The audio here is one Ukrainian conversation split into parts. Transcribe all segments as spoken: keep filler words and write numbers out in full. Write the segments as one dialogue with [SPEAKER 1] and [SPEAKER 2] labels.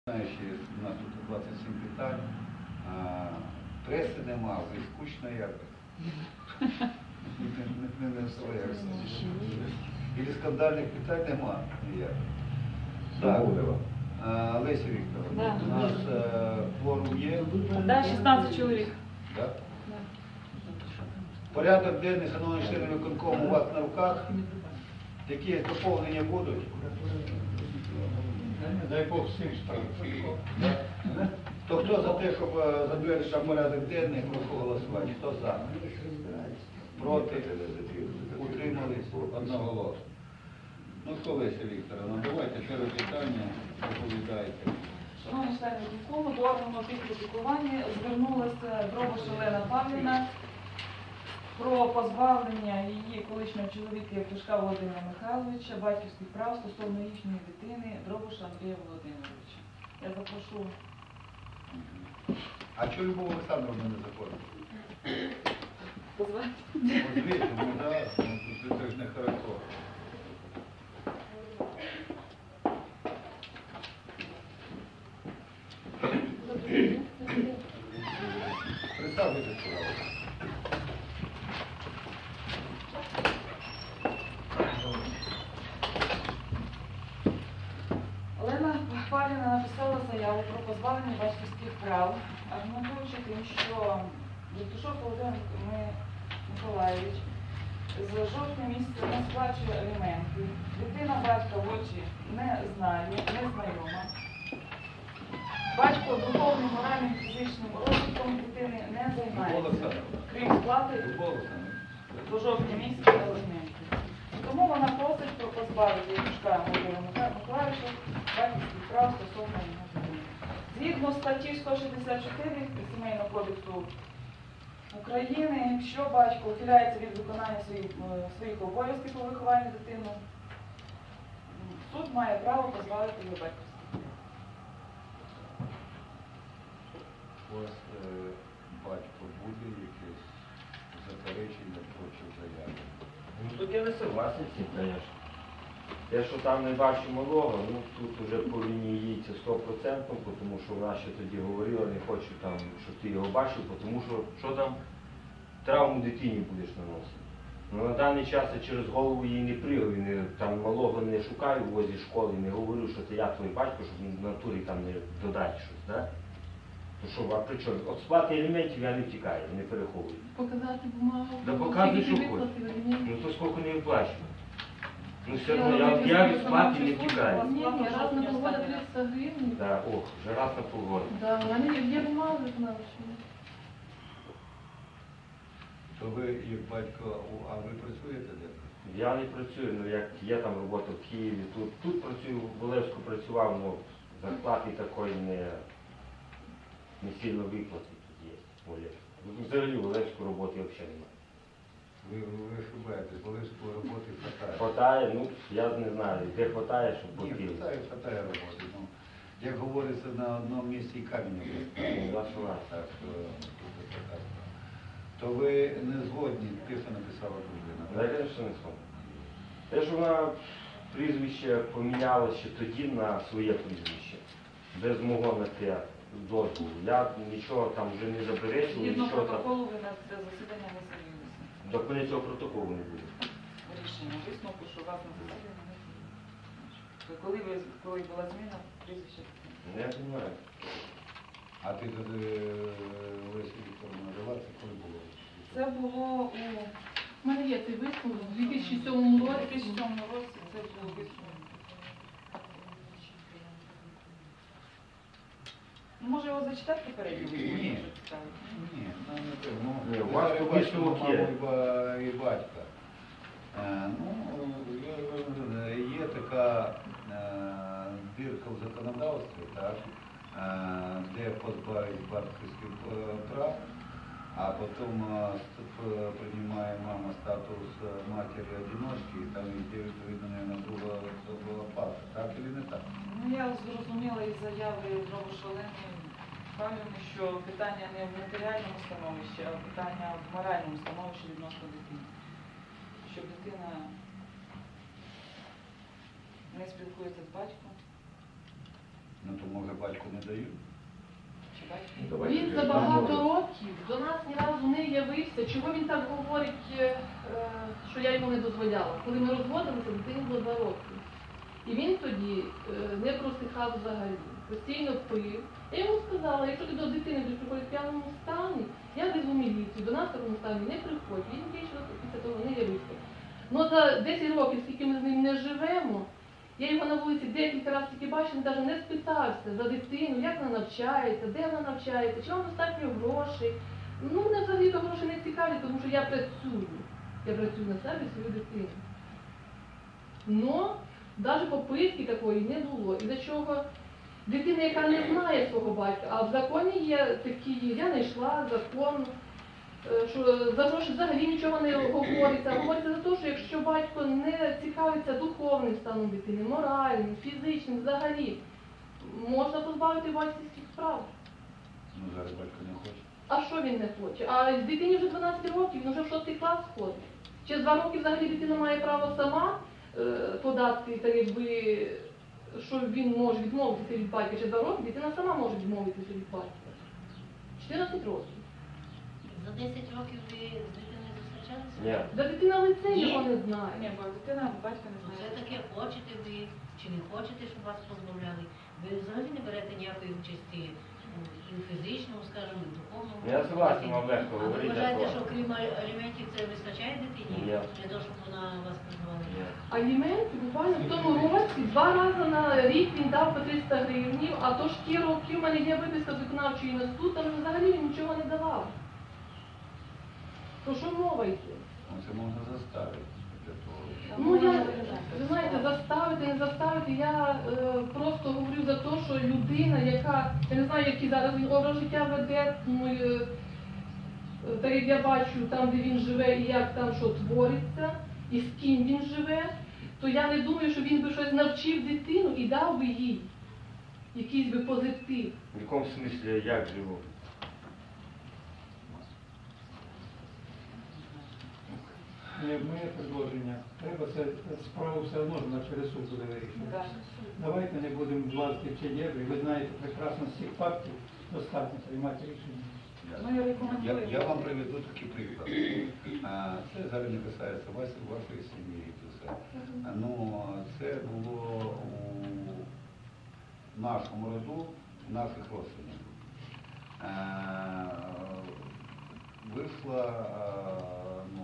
[SPEAKER 1] Знаєш, у нас тут двадцять сім питань, а преси нема, вже скучно якось. Не не своємося. І скандальних питань нема ніяк. Так, Леся Вікторовна, у нас форум є?
[SPEAKER 2] Так, шістнадцять чоловік.
[SPEAKER 1] Так? Порядок денний, шановні члени виконкому, у вас на руках. Які доповнення будуть?
[SPEAKER 3] Дай Бог всім справу.
[SPEAKER 1] То хто за те, щоб затвердити порядок денний, прошу голосувати? Хто за? Проти? Утримались? Одноголосно. Ну що, Леся Вікторовна, давайте перше питання, доповідайте.
[SPEAKER 2] Шановні члени виконкому, до органу опіки та піклування звернулася Дробош Олена Павлівна про позбавлення її колишнього чоловіка Євтушка Володимира Михайловича, батьківських прав стосовно їхньої дитини Дробоша Андрія Володимировича. Я запрошу.
[SPEAKER 1] А чого Любов Олександровна не заходить?
[SPEAKER 2] Позвати.
[SPEAKER 1] Позвіть, ну так, ну, це ж не хорошо. Представтеся, пожалуйста.
[SPEAKER 2] Олена Павлівна написала заяву про позбавлення батьківських прав, аргументуючи тим, що Євтушок Володимир Миколаївич з жовтня місяця не сплачує аліменти, дитина батька в очі не знає, не знайома. Батько духовним, моральним, фізичним розвитком дитини не займається, крім сплати до жовтня місяця аліментів. Тому вона просить про позбавити Євтушка Володимира Миколаївича батьківських прав стосовно його дитини. Згідно статті сто шістдесят чотири Сімейного кодексу України, якщо батько ухиляється від виконання своїх, своїх обов'язків по вихованню дитини, суд має право позбавити його батьківських.
[SPEAKER 1] У вас е, батько буде якесь заперечення проти заяви?
[SPEAKER 4] Ну тут я не согласен з цим, звісно. Те, що там не бачу малого, ну тут вже по лінії їдеться сто відсотків, тому що вона ще тоді говорила, не хочу там, щоб ти його бачив, тому що що там травму дитині будеш наносити. Ну на даний час я через голову їй не пригаю, не, там малого не шукаю в возі школи, не говорю, що це я твій батько, щоб в натурі там не додати щось, да? То що, а при чому? От сплати елементів я не втікаю, не переховую.
[SPEAKER 5] Показати бумагу.
[SPEAKER 4] Да показуй, що хочеш. Ну то скільки не виплачую. Ну все одно, я, я від сплати не втікаю.
[SPEAKER 5] Ні, ні, раз на полгода триста гривень.
[SPEAKER 4] Да, ох, вже раз на полгода.
[SPEAKER 5] Да, у мене є бумага виконавча.
[SPEAKER 1] То ви, як батько, а ви працюєте де?
[SPEAKER 4] Я не працюю, ну як є там робота в Києві, тут, тут працюю, в Олевську працював, ну зарплати такої не, не сильно виплати тут є в Олевську. Взагалі в Олевську роботи взагалі немає.
[SPEAKER 1] Ви, ви ошибаєтесь, Волинської роботи хватає.
[SPEAKER 4] Хватає, ну я не знаю, де хватає, щоб
[SPEAKER 1] Ні,
[SPEAKER 4] платили.
[SPEAKER 1] хватає, хватає роботи. Ну, як говориться, на одному місці і камінь не
[SPEAKER 4] Ну, ваша власть.
[SPEAKER 1] так, що тут така справа. То ви не згодні, тихо написала дружина.
[SPEAKER 4] Да, я, звісно, не згоден. Те, що вона прізвище поміняла ще тоді на своє прізвище, без мого на те дозволу. Я нічого там вже не заперечував,
[SPEAKER 2] Згідно
[SPEAKER 4] нічого там.
[SPEAKER 2] протоколу ви на це засідання не з'явилися.
[SPEAKER 4] До мене цього протоколу не буде.
[SPEAKER 2] Рішення висновку, що вас на засідання не з'явилися. Коли, ви, коли була зміна, прізвище?
[SPEAKER 4] Не розумію.
[SPEAKER 1] А ти тоді, Лесі Вікторовна, жила, це коли було?
[SPEAKER 2] Це було у
[SPEAKER 5] У мене є цей висновок у дві тисячі сьомому
[SPEAKER 2] дві
[SPEAKER 5] році.
[SPEAKER 2] тисячі сьомому році, це було висновок. Ну, може його зачитати попередньо?
[SPEAKER 1] Ні. Ні, нам не треба. Ну,
[SPEAKER 4] Ні, у
[SPEAKER 1] ви
[SPEAKER 4] вас
[SPEAKER 1] зараз
[SPEAKER 4] тут
[SPEAKER 1] бачите
[SPEAKER 4] висновок
[SPEAKER 1] маму
[SPEAKER 4] є.
[SPEAKER 1] і ба- і батька. Е, Ну, є- є така е, дірка в законодавстві, так, е, де позбавить батьківських е, прав, а потім е, ст- приймає мама статус е, матері-одиночки, і там йде відповідно на друга особова пара. Так чи не так?
[SPEAKER 2] Ну, я зрозуміла із заяви Дробош Олени Павлівни, що питання не в матеріальному становищі, а питання в моральному становищі відносно дитини. Щоб дитина не спілкується з батьком,
[SPEAKER 1] Ну то може батьку не дають?
[SPEAKER 2] Чи батько?
[SPEAKER 4] Ну, давайте
[SPEAKER 5] Він
[SPEAKER 4] вже
[SPEAKER 5] за багато
[SPEAKER 4] поговоримо.
[SPEAKER 5] років до нас ні разу не явився. Чого він так говорить, е, що я йому не дозволяла? Коли ми розводилися, дитині було два роки. І він тоді е, не просихав взагалі, постійно пив. Я йому сказала, якщо ти до дитини будеш приходити в п'яному стані, я везу міліцію, до нас в такому стані не приходь. Він більше після того не явився. Ну за десять років, скільки ми з ним не живемо, я його на вулиці декілька разів тільки бачив, він навіть не спитався за дитину, як вона навчається, де вона навчається, чи вам достатньо грошей. Ну, мене взагалі то гроші не цікавлять, тому що я працюю. Я працюю на себе і свою дитину. Но навіть попитки такої не було. І за чого дитина, яка не знає свого батька, а в законі є такі, я знайшла закон, е, що за гроші взагалі нічого не говориться. Говориться за те, що якщо батько не цікавиться духовним станом дитини, моральним, фізичним, взагалі, можна позбавити батьківських прав.
[SPEAKER 1] Ну зараз батько не хоче.
[SPEAKER 5] А що він не хоче? А дитині вже дванадцять років, він вже в шостий клас ходить. Через два роки взагалі дитина має право сама е, подати, так якби, що він може відмовитися від батька. Через два роки дитина сама може відмовитися від батька. чотирнадцять років.
[SPEAKER 6] За десять років ви з дитиною зустрічалися?
[SPEAKER 4] Ні.
[SPEAKER 5] Да дитина лице
[SPEAKER 6] Ні.
[SPEAKER 5] його не знає.
[SPEAKER 2] Ні, бо дитина батька не
[SPEAKER 6] Ну, Це
[SPEAKER 2] знає.
[SPEAKER 6] таке, хочете ви чи не хочете, щоб вас позбавляли. Ви взагалі не берете ніякої участі ну, і в фізичному, скажімо, і в духовному.
[SPEAKER 4] Я согласен, вам легко
[SPEAKER 6] А ви
[SPEAKER 4] говорити,
[SPEAKER 6] вважаєте,
[SPEAKER 4] так.
[SPEAKER 6] що крім аліментів це вистачає дитині?
[SPEAKER 4] Ні.
[SPEAKER 6] Для того, щоб вона вас позбавила?
[SPEAKER 4] Ні.
[SPEAKER 5] Аліменти буквально в тому році два рази на рік він дав по триста гривнів, а то ж ті роки в мене є виписка з виконавчої на суд, там взагалі він нічого не давав. Про що мова йде?
[SPEAKER 1] Ну це можна заставити для того.
[SPEAKER 5] Ну я, ви знаєте, заставити, не заставити, я е, просто говорю за те, що людина, яка, я не знаю, який зараз він образ життя веде, ну, е, е, так як я бачу там, де він живе і як там що твориться, і з ким він живе, то я не думаю, що він би щось навчив дитину і дав би їй якийсь би позитив.
[SPEAKER 4] В якому смислі як живу?
[SPEAKER 3] Е, Моє предложення. Треба це справу все одно вона через суд буде вирішувати.
[SPEAKER 2] Да.
[SPEAKER 3] Давайте не будемо влазити в ці дебри. Ви знаєте прекрасно з цих фактів достатньо приймати рішення.
[SPEAKER 2] Ми
[SPEAKER 1] Я,
[SPEAKER 2] рекомендуємо.
[SPEAKER 1] я вам приведу такий приклад. А, це зараз не касається вас, вашої сім'ї і все. А, ну, це було у нашому роду, у наших родственників. А, вийшла а, ну,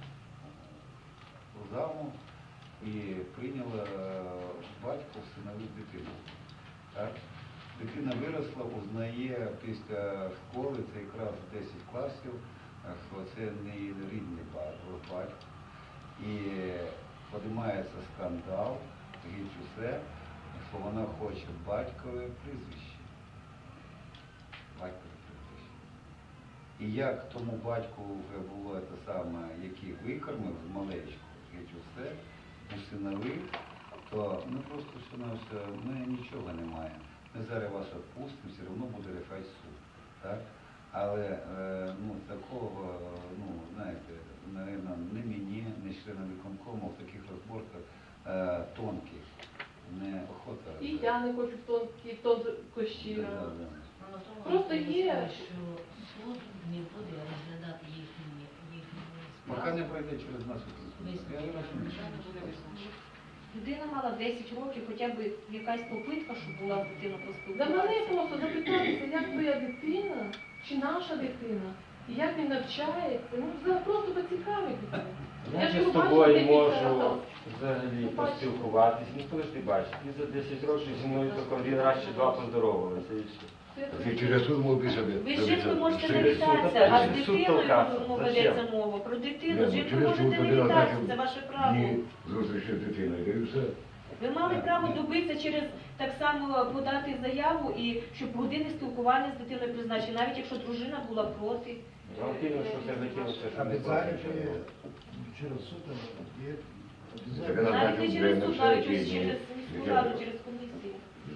[SPEAKER 1] замуж і прийняла батько всиновив дитину. Так? Дитина виросла, узнає після школи, це якраз десять класів, що це не її рідний батько. І піднімається скандал, геть усе, що вона хоче батькове прізвище. Батькове прізвище. І як тому батьку вже було те саме, який викормив з малечку, геть усе, усиновив, то ну просто що на все, ми нічого не маємо. Ми зараз вас відпустимо, все одно буде рішати суд. Так? Але е, ну, такого, ну, знаєте, наверное, не мені, не членам виконкому в таких розборках е, тонких не охота.
[SPEAKER 5] І я не хочу в тонкі, тонкощі.
[SPEAKER 1] Да, да, да.
[SPEAKER 6] Мало того,
[SPEAKER 5] Просто
[SPEAKER 6] ви
[SPEAKER 5] є.
[SPEAKER 6] сказали, що суд не буде розглядати їхні їхні
[SPEAKER 1] Поки
[SPEAKER 6] справи.
[SPEAKER 1] не пройде через нас. Я не розумію.
[SPEAKER 7] Людина мала десять років, хоча б якась попитка, щоб була дитина
[SPEAKER 5] За мене
[SPEAKER 7] поспілкуватися.
[SPEAKER 5] просто запитатися, як твоя дитина, чи наша дитина, і як він навчається, ну за- просто поцікавитися.
[SPEAKER 4] Я
[SPEAKER 5] ж
[SPEAKER 4] ж з
[SPEAKER 5] його
[SPEAKER 4] тобою
[SPEAKER 5] бачила декілька
[SPEAKER 4] можу
[SPEAKER 5] разів.
[SPEAKER 4] взагалі
[SPEAKER 5] Ну, бачиш.
[SPEAKER 4] поспілкуватись. Ну коли ж ти бачиш, ти за десять років зі мною тільки один раз чи два поздоровалися і все.
[SPEAKER 7] Ви
[SPEAKER 8] Через суд мог би собі.
[SPEAKER 7] з жінкою можете
[SPEAKER 4] Через суд,
[SPEAKER 7] навітатися, а з
[SPEAKER 4] через суд
[SPEAKER 7] дитиною
[SPEAKER 4] толкатися.
[SPEAKER 7] ну,
[SPEAKER 4] Зачем?
[SPEAKER 7] ведеться мова. Про дитину,
[SPEAKER 8] Ні,
[SPEAKER 7] з
[SPEAKER 8] ну,
[SPEAKER 7] жінкою
[SPEAKER 8] через суд
[SPEAKER 7] можете
[SPEAKER 8] людина
[SPEAKER 7] навітатися,
[SPEAKER 8] так,
[SPEAKER 7] це ваше право.
[SPEAKER 8] Ні, зустрічі з дитиною, і все.
[SPEAKER 7] Ви мали право добитися через так само подати заяву і щоб години спілкування з дитиною призначити, навіть якщо дружина була проти.
[SPEAKER 4] Вам кинув, що це закинувся, що не
[SPEAKER 9] Обязательно
[SPEAKER 4] платить.
[SPEAKER 9] через суд є.
[SPEAKER 8] Так вона
[SPEAKER 7] Навіть
[SPEAKER 8] так
[SPEAKER 7] не
[SPEAKER 8] вже
[SPEAKER 7] через
[SPEAKER 8] на
[SPEAKER 7] суд,
[SPEAKER 8] все
[SPEAKER 7] навіть
[SPEAKER 8] ті
[SPEAKER 7] ось
[SPEAKER 8] дні.
[SPEAKER 7] через міську раду, через комісію.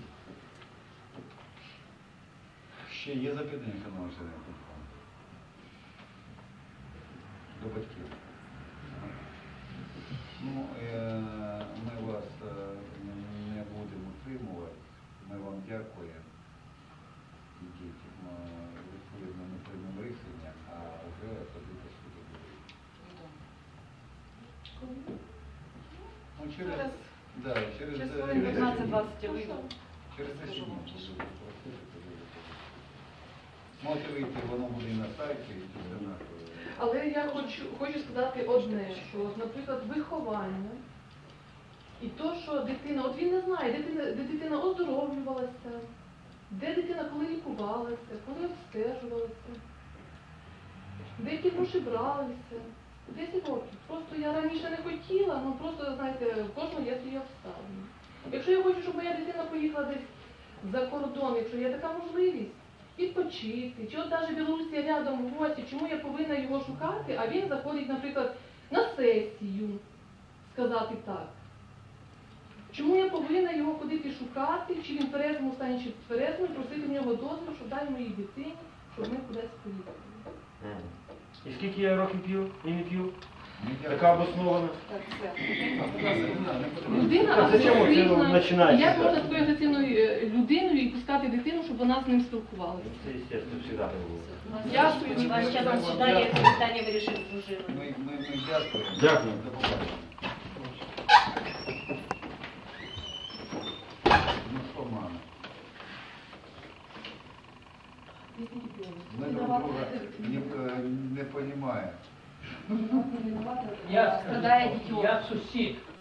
[SPEAKER 1] Ще є запитання, шановні члени виконкому? До батьків. Ну, е, ми вас е, не будемо утримувати. Ми вам дякуємо. через,
[SPEAKER 2] Через,
[SPEAKER 1] да, через,
[SPEAKER 2] через
[SPEAKER 1] е,
[SPEAKER 2] хвилин
[SPEAKER 1] через
[SPEAKER 2] п'ятнадцять-двадцять я
[SPEAKER 5] Ну,
[SPEAKER 2] вийду.
[SPEAKER 1] Через те, що можете вийти, воно буде і на сайті, і все на.
[SPEAKER 5] Але я хочу, хочу сказати одне, що, наприклад, виховання і то, що дитина, от він не знає, дитина, де дитина оздоровлювалася, де дитина коли лікувалася, коли обстежувалася, де які гроші бралися. десять років. Просто я раніше не хотіла, ну просто, знаєте, в кожного є свої обставини. Якщо я хочу, щоб моя дитина поїхала десь за кордон, якщо є така можливість, відпочити, чи от навіть Білорусія рядом в гості, чому я повинна його шукати, а він заходить, наприклад, на сесію, сказати так. Чому я повинна його ходити шукати, чи він в тверезому стані, чи в тверезому, і просити в нього дозвіл, щоб дай моїй дитині, щоб ми кудись поїхали.
[SPEAKER 4] І скільки я років п'ю і не п'ю?
[SPEAKER 1] Ми
[SPEAKER 4] Така обоснована.
[SPEAKER 2] Так, все.
[SPEAKER 5] Людина
[SPEAKER 4] Та зачем ви це
[SPEAKER 5] агресивна.
[SPEAKER 4] починаєте?
[SPEAKER 5] Як можна такою агресивною е, людиною і пускати дитину, щоб вона з ним спілкувалася?
[SPEAKER 4] Це, естественно, завжди було.
[SPEAKER 5] Дякую.
[SPEAKER 7] Ваш час засідання, це питання вирішив дружина.
[SPEAKER 1] Ми, ми, ми дякуємо.
[SPEAKER 4] Дякую.
[SPEAKER 1] До побачення. Ну що, мама? Ми друг друга не, е, не розуміємо.
[SPEAKER 10] Я,
[SPEAKER 2] Страдає дитё.
[SPEAKER 10] я сусід.